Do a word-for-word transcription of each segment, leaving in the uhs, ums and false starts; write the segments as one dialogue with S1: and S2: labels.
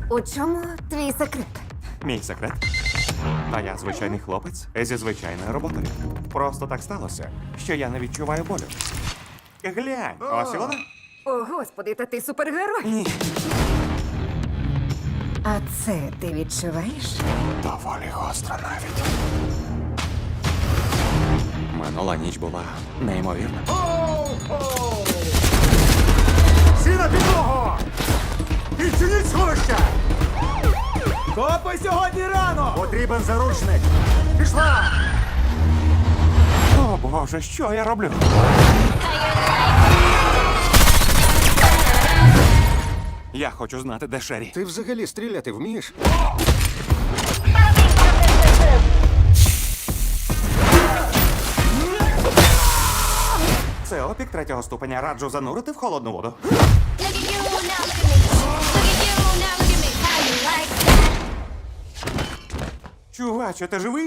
S1: У чому твій секрет?
S2: Мій секрет. А я звичайний хлопець зі звичайною роботою. Просто так сталося, що я не відчуваю болю. Глянь, ось і вона.
S1: О, господи, та ти супергерой.
S2: Ні.
S1: А це ти відчуваєш?
S2: Доволі гостро навіть. Минула ніч була неймовірна.
S3: Всі на підлогу! Відчиніть сховище!
S4: Копи сьогодні рано!
S3: Потрібен заручник! Пішла!
S2: О, Боже, що я роблю? Я хочу знати, де Шері.
S3: Ти взагалі стріляти вмієш?
S2: Це опік третього ступеня. Раджу занурити в холодну воду.
S5: Look at you now, look at me. Look at you now, look at me. How you like that?
S2: Чуваче, ти живий?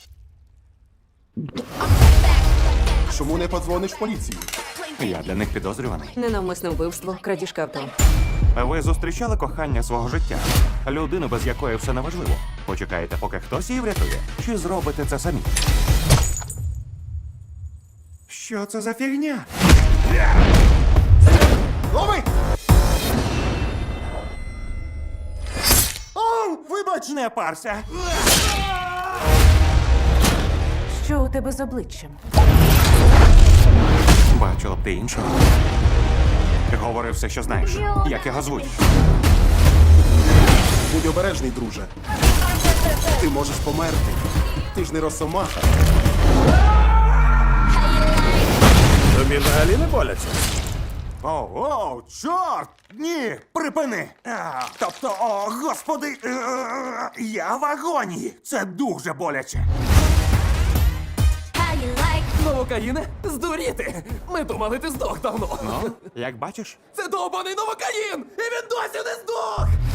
S3: Чому не подзвониш в поліцію?
S2: Я для них підозрюваний.
S1: Ненавмисне вбивство, крадіжка авто.
S2: Ви зустрічали кохання свого життя? Людину, без якої все неважливо. Почекаєте, поки хтось її врятує? Чи зробите це самі? Що це за фігня?
S3: Лови!
S2: О, вибач, не парся.
S1: Що у тебе з обличчям?
S2: Бачила б ти іншого. Говори все, що знаєш. Як його звуть?
S3: Будь обережний, друже. Ти можеш померти. Ти ж не росомаха.
S4: Тобі взагалі не боляться?
S2: О, о, чорт! Ні, припини! А, тобто, о, господи, е, я в агонії. Це дуже боляче.
S5: How you like
S4: Новокаїне? Здуріти! Ми думали, ти здох давно.
S2: Ну, як бачиш?
S4: Це довбаний новокаїн! І він досі не здох!